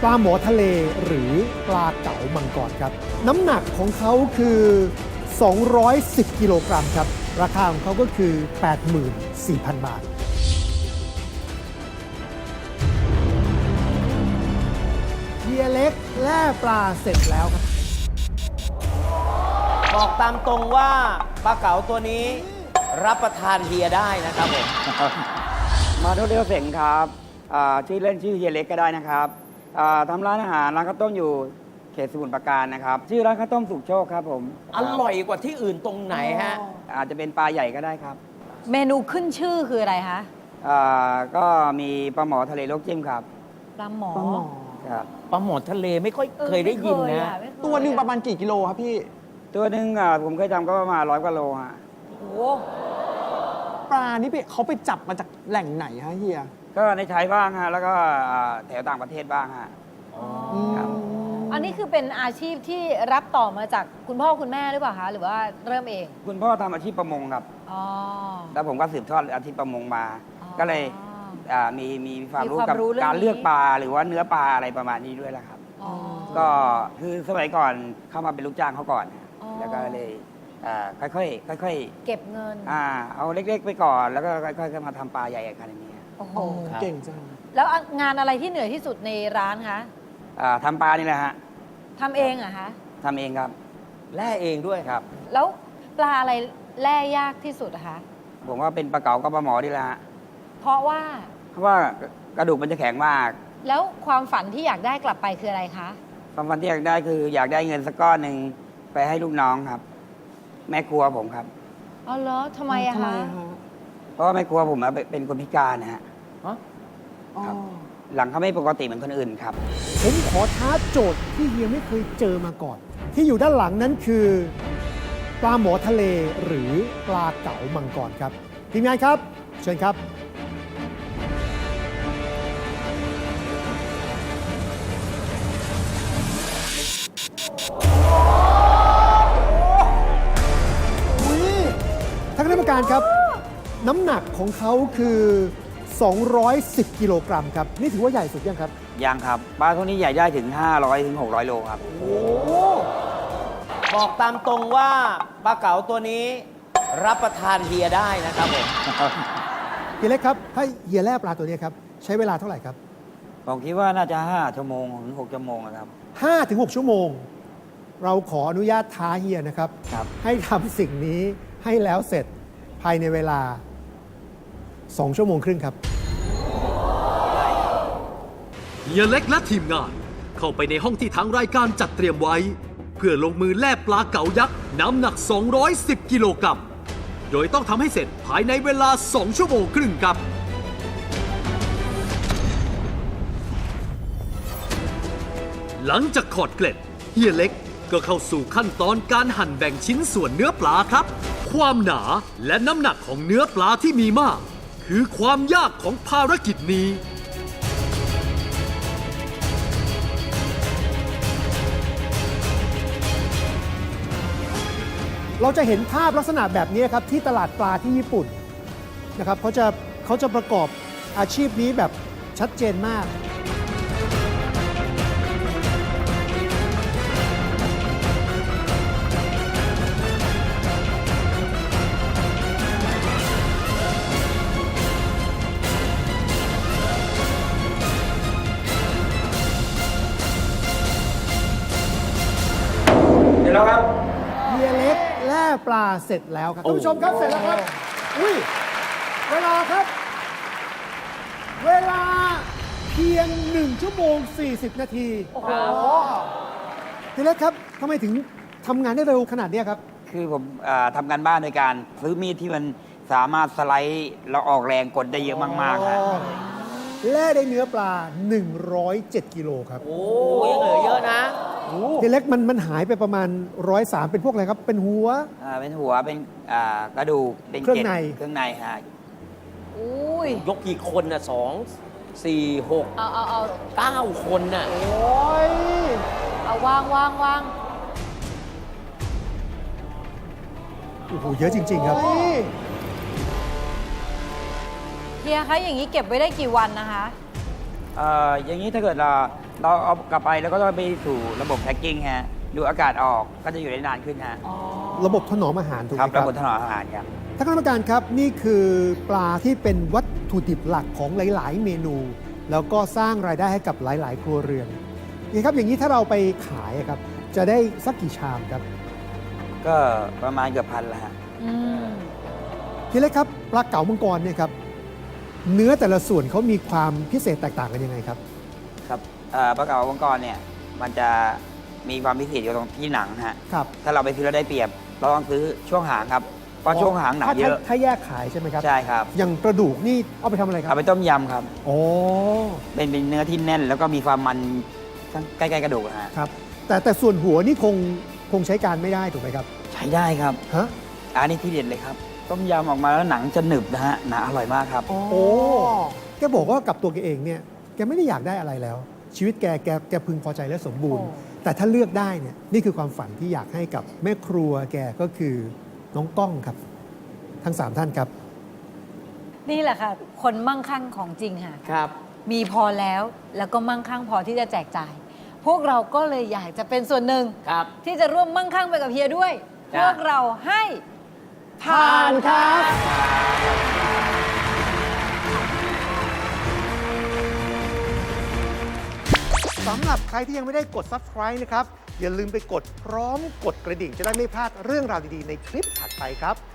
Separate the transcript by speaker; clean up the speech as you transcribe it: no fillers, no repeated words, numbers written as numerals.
Speaker 1: ปลาหมอทะเลหรือปลาเก๋ามังกรครับ น้ำหนักของเขาคือ 210 กิโลกรัมครับ ราคาของเขาก็คือ 84,000 บาท เฮียเล็กแล่ปลาเสร็จแล้วครับ
Speaker 2: บอกตามตรงว่าปลาเก๋าตัวนี้รับประทานเฮียได้นะครับผม
Speaker 3: มาทุเรียนเสงครับชื่อเล่นชื่อเฮียเล็กก็ได้นะครับทำร้านอาหารร้านข้าวต้มอยู่เขตสมุทรปราการนะครับ ชื่อร้านข้าวต้มสุขโชคครับผม
Speaker 2: อร่อยกว่าที่อื่นตรงไหนฮะ
Speaker 3: อาจจะเป็นปลาใหญ่ก็ได้ครับ
Speaker 4: เมนูขึ้นชื่อคืออะไรคะ
Speaker 3: ก็มีปลาหมอทะเลลวกจิ้มครับ
Speaker 4: ปลาหมอ
Speaker 3: ครับ
Speaker 2: ปลาหมอทะเลไม่ค่อยเคยได้ยินนะ
Speaker 4: ไม่เคย
Speaker 5: ตัวหนึ่งประมาณกี่กิโลครับพี่
Speaker 3: ตัวหนึ่งผมเคยทำก็ประมาณ100 กว่าโลฮะ
Speaker 4: โอ้โห
Speaker 5: ปลานี่เขาไปจับมาจากแหล่งไหนฮะเฮีย
Speaker 3: ก็ในไทยบ้างฮะแล้วก็แถวต่างประเทศบ้างฮะ ครับ
Speaker 4: อันนี้คือเป็นอาชีพที่รับต่อมาจากคุณพ่อคุณแม่หรือเปล่าคะหรือว่าเริ่มเอง
Speaker 3: คุณพ่อทำอาชีพประมงครับ
Speaker 4: อ๋อ
Speaker 3: แล้วผมก็สืบทอดอาชีพประมงมา
Speaker 4: อ๋อ
Speaker 3: ก็เลยมีความรู้
Speaker 4: มีความ
Speaker 3: กับ
Speaker 4: รู้เรื่อง
Speaker 3: การเลือก
Speaker 4: นี้
Speaker 3: ปลาหรือว่าเนื้อปลาอะไรประมาณนี้ด้วยแหละครับ
Speaker 4: อ๋อ
Speaker 3: ก็คือสมัยก่อนเข้ามาเป็นลูกจ้างเขาก่อน
Speaker 4: อ๋อ
Speaker 3: แล้วก็เลยค่อยๆ
Speaker 4: เก็บเงิน
Speaker 3: เอาเล็กๆไปก่อนแล้วก็ค่อยๆมาทำปลาใหญ่ขนาดนี้
Speaker 4: โอ้โห
Speaker 2: ครับ
Speaker 5: เก่งจัง
Speaker 4: แล้วงานอะไรที่เหนื่อยที่สุดในร้านคะ
Speaker 3: ทำปลานี่แหละฮะ
Speaker 4: ทำเองเหรอะคะ
Speaker 3: ทำเองครับ
Speaker 2: แล่เองด้วยครับ
Speaker 4: แล้วปลาอะไรแล่ยากที่สุดอะคะ
Speaker 3: ผมว่าเป็นปลาเก๋ากับปลาหมอนี่แหละฮะ
Speaker 4: เพราะว่า
Speaker 3: เพราะว่ากระดูกมันจะแข็งมาก
Speaker 4: แล้วความฝันที่อยากได้กลับไปคืออะไรคะ
Speaker 3: ความฝันที่อยากได้คืออยากได้เงินสักก้อนหนึ่งไปให้ลูกน้องครับ แม่ครัวผมครับ
Speaker 4: อ๋อเหรอทำไมอะคะ
Speaker 3: เพราะว่าแม่ครัวผมเป็นคนพิการนะฮะ
Speaker 5: อ๋อ
Speaker 3: ครับ หลังเขาไม่ปกติเหมือนคนอื่นครับ
Speaker 1: ผมขอท้าโจทย์ที่เฮียไม่เคยเจอมาก่อน ที่อยู่ด้านหลังนั้นคือ ปลาหมอทะเลหรือปลาเก๋ามังกรครับทีมงานครับ เชิญครับ ท่านคณะกรรมการครับ น้ำหนักของเขาคือ 210 กิโลกรัมครับ นี่ถือว่าใหญ่สุดยังครับ
Speaker 3: ยังครับปลาพวกนี้ใหญ่ได้ถึง500 ถึง 600 โลครับ
Speaker 2: บอกตามตรงว่าปลาเก๋าตัวนี้รับประทานเฮียได้นะครับผม
Speaker 1: เฮียเล็กครับ ถ้าเฮียแล่ปลาตัวนี้ครับ ใช้เวลาเท่าไหร่ครับ
Speaker 3: ผมคิดว่าน่าจะ5 ชั่วโมงถึง 6 ชั่วโมงนะครับ
Speaker 1: 5-6 ชั่วโมง เราขออนุญาตท้าเฮียนะครับ
Speaker 3: ครับ
Speaker 1: ให้ทำสิ่งนี้ให้แล้วเสร็จภายในเวลา 2 ชั่วโมงครึ่งครับ
Speaker 6: เฮียเล็กและทีมงาน เข้าไปในห้องที่ทางรายการจัดเตรียมไว้ เพื่อลงมือแล่ปลาเก๋ายักษ์น้ำหนัก 210 กิโลกรัม โดยต้องทำให้เสร็จภายในเวลา 2 ชั่วโมงครึ่งครับ หลังจากขอดเกล็ดเฮียเล็กก็เข้าสู่ขั้นตอนการหั่นแบ่งชิ้นส่วนเนื้อปลาครับ ความหนาและน้ำหนักของเนื้อปลาที่มีมาก คือความยากของภารกิจนี้
Speaker 1: เราจะเห็นภาพลักษณะแบบนี้ครับที่ตลาดปลาที่ญี่ปุ่นนะครับเขาจะประกอบอาชีพนี้แบบชัดเจนมาก
Speaker 3: เดี๋ยวแล้วครับ
Speaker 1: เฮียเล็กแล่ปลาเสร็จแล้วครับท่านผู้ชมครับเสร็จแล้วครับ อุ้ยเวลาครับ เวลาเพียง 1 ชั่วโมง 40 นาที
Speaker 4: โอ้โห
Speaker 1: เฮียเล็กครับทำไมถึงทำงานได้เร็วขนาดนี้ครับ คือ
Speaker 3: ผมทำการบ้านโดยการซื้อมีดที่มันสามารถสไลด์แล้วออกแรงกดได้เยอะมากๆฮะ
Speaker 1: แล่ได้เนื้อปลา 107 กิโลครับ
Speaker 2: โอ้ยังเหลือเยอะนะ
Speaker 1: เฮียเล็กมันหายไปประมาณ 103 เป็นพวกอะไรครับ เป็นหัว
Speaker 3: เป็นหัวเป็นกระดูกเป็น
Speaker 1: เครื่องใน
Speaker 3: เครื่องในฮะ
Speaker 4: อุ้ย
Speaker 2: ยกกี่คนน่ะ2 4 6
Speaker 4: เอา
Speaker 2: 9 คนน่ะ
Speaker 1: โอ้ย
Speaker 4: เอาวาง
Speaker 1: โอ้โห เยอะจริง ๆ ครับ
Speaker 4: เฮียคะอย่างนี้เก็บไว้ได้กี่วันนะคะ
Speaker 3: อย่างนี้ถ้าเกิดเราเราเอากลับไปแล้วก็ต้องไปสู่ระบบแพ็กกิ้งฮะดูอากาศออกก็จะอยู่ได้นานขึ้นฮะ
Speaker 1: ระบบถนอมอาหารถูกไห
Speaker 3: ค
Speaker 1: ม
Speaker 3: รับ
Speaker 1: ค
Speaker 3: ระ
Speaker 1: รับ
Speaker 3: บบถนอมอาหารครับ
Speaker 1: ท่านคณะกรรมการครับนี่คือปลาที่เป็นวัตถุดิบหลักของหลาย ๆ เมนู แล้วก็สร้างรายได้ให้กับหลาย ๆ ครัวเรือนนี่ครับอย่างนี้ถ้าเราไปขายอะครับจะได้สักกี่ชามครับ
Speaker 3: ก็ประมาณเกือบพันละฮะ
Speaker 4: อืม
Speaker 1: ทีเล็กครับปลาเก๋ามังกรเนี่ยครับเนื้อแต่ละส่วนเขามีความพิเศษแตกต่างกันยังไงครับ
Speaker 3: ครับปลาเก๋ามังกรเนี่ยมันจะมีความพิเศษอยู่ตรงที่หนังฮะ
Speaker 1: ครับ
Speaker 3: ถ้าเราไปซื้อแล้วได้เปรียบ เราต้องซื้อช่วงหางครับเพราะช่วงหางหนังเยอะ
Speaker 1: ถ้าแยกขายใช่ไหมครับ
Speaker 3: ใช่ครับ
Speaker 1: อย่างกระดูกนี่เอาไปทำอะไรครั
Speaker 3: เอา
Speaker 1: บ
Speaker 3: ไปต้มยำครับ
Speaker 1: โอ้
Speaker 3: เป็นเนื้อที่แน่น แล้วก็มีความมันใกล้ๆกระดูกนะฮะ
Speaker 1: ครับแต่ส่วนหัวนี่คงใช้การไม่ได้ถูกไหมครับ
Speaker 3: ใช้ได้ครับ
Speaker 1: ฮะ
Speaker 3: อันนี้ที่เด็ดเลยครับ ต้มยำออกมาแล้วหนังจะหนึบนะฮะหนาอร่อยมากครับ
Speaker 1: โอ้แกบอกว่ากับตัวแกเองเนี่ยแกไม่ได้อยากได้อะไรแล้ว ชีวิตแกพึงพอใจและสมบูรณ์
Speaker 4: โอ้
Speaker 1: แต่ถ้าเลือกได้เนี่ยนี่คือความฝันที่อยากให้กับแม่ครัวแกก็คือน้องก้องครับ ทั้ง 3 ท่านครับ
Speaker 4: นี่แหละค่ะ คนมั่งคั่งของจริงค่ะ
Speaker 2: ครับ
Speaker 4: มีพอแล้วก็มั่งคั่งพอที่จะแจกจ่าย พวกเราก็เลยอยากจะเป็นส่วนหนึ่ง
Speaker 2: ครับ
Speaker 4: ที่จะร่วมมั่งคั่งไปกับเฮียด้วย
Speaker 2: จ้ะ
Speaker 4: พวกเราให้ผ่าน
Speaker 1: ครับ สำหรับใครที่ยังไม่ได้กด subscribe นะครับ อย่าลืมไปกดพร้อมกดกระดิ่งจะได้ไม่พลาดเรื่องราวดี ๆ ในคลิปถัดไปครับ